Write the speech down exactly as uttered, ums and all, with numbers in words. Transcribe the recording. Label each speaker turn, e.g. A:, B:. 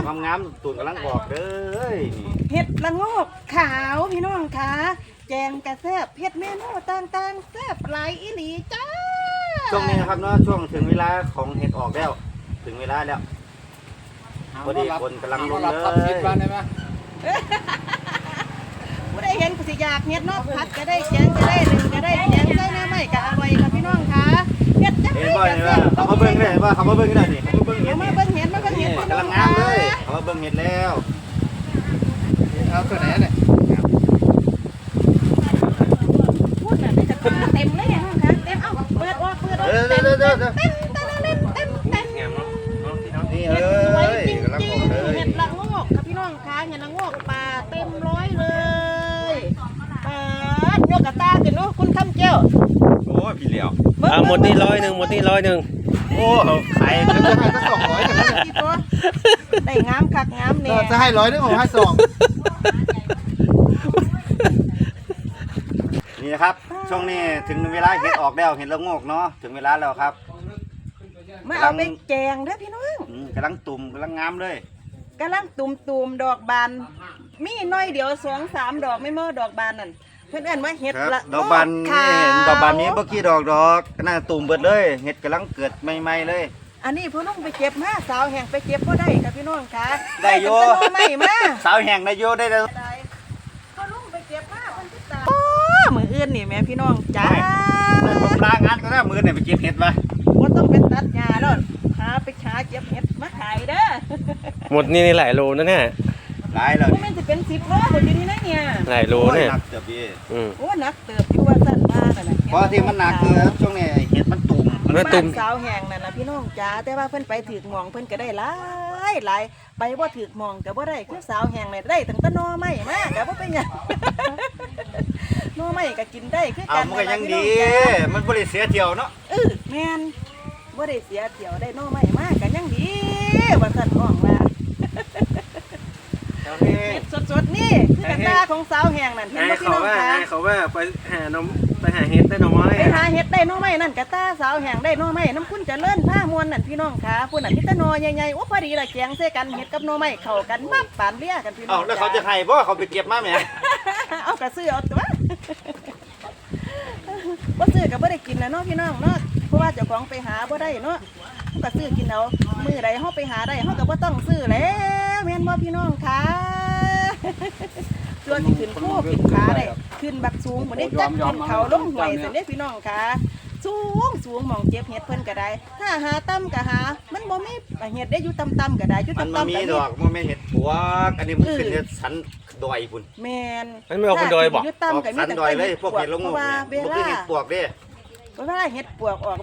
A: อกงามๆตูนกำลังบอกเด้อนี่
B: เห็ดละโงกขาวพี่น้องคะแกงกระแซบเห็ดเมนูต่างๆแซบหลายอีหลีจ้า
A: ช่วงนี้นะครับเนาะช่วงถึงเวลาของเห็ดออกแล้วถึงเวลาแล้วพอดีคนกำลังลงเลย
B: ผู้ได้เห็นก็สิอยากเห็ดเนาะผัดก็ได้แกงก็ได้หนึ่งก็ได้แกงใส่น้ำไม่ก็อร่อยค่ะพี่น้องคะเห็ดจัง
A: เห็น
B: เลย
A: บ่
B: กระ
A: เห็น
B: แซ
A: ว่า
B: บ
A: เขามาเบิ้งได้ว่าเขามาเบิ้งได้นี่เขามาเบิ้งเห็ด
B: มา
A: นี่
B: เบิ่งเห็ดมาเบิ่งเห็ด
A: กำลังงามเลยเขามาเบิ้งเห็ดแล้ว
C: เอาตัวไหนเนี่ย
B: พูดน่ะได้จะเต็มเลยค่ะเต็มเอ้าเปิดออกเปิดออกเต็มเต็มเต็มเต็มเต็มเต็มเต็ม
A: นี่
B: เห็
A: เอ้
B: ดสวย
A: ย
B: จริง
A: กำลัง
B: จริ
A: อง อกเลย
B: เห็ดละโงกค่ะพี่น้องคะเห็ดละโงกป่าเต็มร้อยเลยป่ายกกระตาขึ้นเนาะคุณคำเจ้า
A: โอ้ยพี่เหลียว
D: อ่าหมดนี่ร้อยหนึ่งหมดนี่ร้อยหนึ่ง
A: โอ้ไข่
C: จะให้ก็สองร้อยกันแล้ว
B: ได้งามคักงามเนี่ย
C: จะให้ร้อยนึงผมให้สอง
A: นี่นะครับช่วงนี้ถึงเวลาเห็ดออกแล้วเห็ดละโงกเนาะถึงเวลาแล้วครับ
B: มาเอาไปแกงเด้อพี่น้อง
A: อืมกำลังตุ่มกำลังงามเลย
B: กำลังตุ่มตุ่มดอกบานมีน้อยเดียวสองสามดอกไม่เมื่อดอกบานนั่นเพื่อนเอิ้นว่าเห็ด
A: ครับ
B: ละ
A: ดอกบาน
B: ขาว
A: นี่เห็นดอกบานนี้เมื่อกี้ดอกดอกน่าตุ่มเบิดเลยเห็ดกำลังเกิดใหม่ๆเลย
B: อันนี้พ่อลุงไปเก็บมาสาวแห่งไปเก็บก็ได้ค่ะพี่น้องค่ะ
A: ได้อยู่
B: แต่ต้นไม้มา
A: สาวแห่งนายโยได้แล้ว
B: ได้พ่อลุงไปเก็บมาเพิ่นติดตามโอ้มืออื่นนี่แม่พี่น้องจ้า
A: ผมลางานก็ได้มือเนี่ยไปเก็บเห็ดมา
B: บ่ต้องไปตัดหญ้าแล้วหาไปหาเก็บเห็ดมาขายเด้อ
D: หมดนี่นี่หลายโลนะเนี่ย
A: หลายเลย
B: บ่แม่นสิเป็นสิบโลบ่อยู่นี่นะเนี่ย
D: หลายโล
A: โอ้ย
D: เนี่ย
A: หนักเกือบพี่
D: อืม
B: โอ้หนักเติบอยู่ว่าซั่นว่านั่นน่ะ
A: เพราะที่มันหนักคือช่วงนี้เห็ดมันตุ่ม
D: มัน
B: บ้า
D: ตุ่ม
B: นสาวแห่งนั่นน่ะพี่น้องจ๋าแต่ว่าเพิ่นไปถือกหมองเพิ่นก็ได้หลายหลายไปบ่ถือกหมองก็บ่ได้คือสาวแห่งนี่ได้ตั้งแต่หน่อไม้มาก็บ่เป็นหยัง หน่อไม้ก็กินได้คือ
A: เอา
B: กัน
A: มันก็ยัง
B: พี่
A: ดี
B: น้องจ๋า
A: มันบริเสียเที่ยวเนาะ
B: เออแม่นบ่ได้เสียเที่ยวได้หน่อไม้มาก็ยังดีว่าซั่นน้องว่า
A: โอเค
B: เฮ็ดสดๆนี่คือกระตาของสาวแห่งนั่นเห็นบ่พี่น้องคะ
D: เขาว่าไปหาน้ำไปหาเห็ดได้น้อย
B: ไปหาเห็ดได้หน่อไม้นั่นกะตาสาวแห่งได้หน่อไม้น้ำคุณเจะเลิ่นผ้ามวนนั่นพี่น้องขาพุ่นนั่นมีแต่หน่อใหญ่ๆโอ้พอดีละแกงใส่กันเห็ดกับหน่อไม้เข้ากันมับปานเลี้ยกันพี่น้อ
A: เอา
B: ง
A: แล้วเขาจะให้เพราะเขาไปเก็บมาแหม
B: เอากระซื้อเอาตัวบ่ซื้อก็บ่ได้กินแล้วเนาะพี่น้องเนาะเพราะว่าเจ้าของไปหาบ่ได้เนาะก็ซื้อกินเอามื้อใดเฮาไปหาได้เฮาก็บ่ต้องซื้อแล้วแม่นบ่พี่น้องคะตัวที่ขึ้นคู่ขึ้นขาได้ขึ้นบักสูงบ่ได้จักขึ้นเขาลงห้วยซั่นเด้พี่น้องคะสูงสูงหม่องเจ็บเห็ดเพิ่นก็ได้ถ้าหาต่ำก็หามันบ่มีเห็ดได้อยู่ต่ำๆก็ได้อยู่
A: มัน
B: ต่ำ
A: มา
B: ๆก็
A: มี
B: มี
A: ดอกมันไม่เห็ดปวกอันนี้มันขึ้นเนี่ยสันดอยพุ่น
B: แม่น
D: มันไม่ออกเป็นดอยบอก
B: อยู่
A: ออก
B: ต่ำก็มี
A: สัน
B: แต่
A: ดอยเลยพวกเห็ดละโง
B: เพ
A: ก
B: ราะว่า
A: เนี่ย
B: เว
A: มันคือ
B: ลา
A: เห็ดปวกเด้
B: เวลาเห็ดปวกออก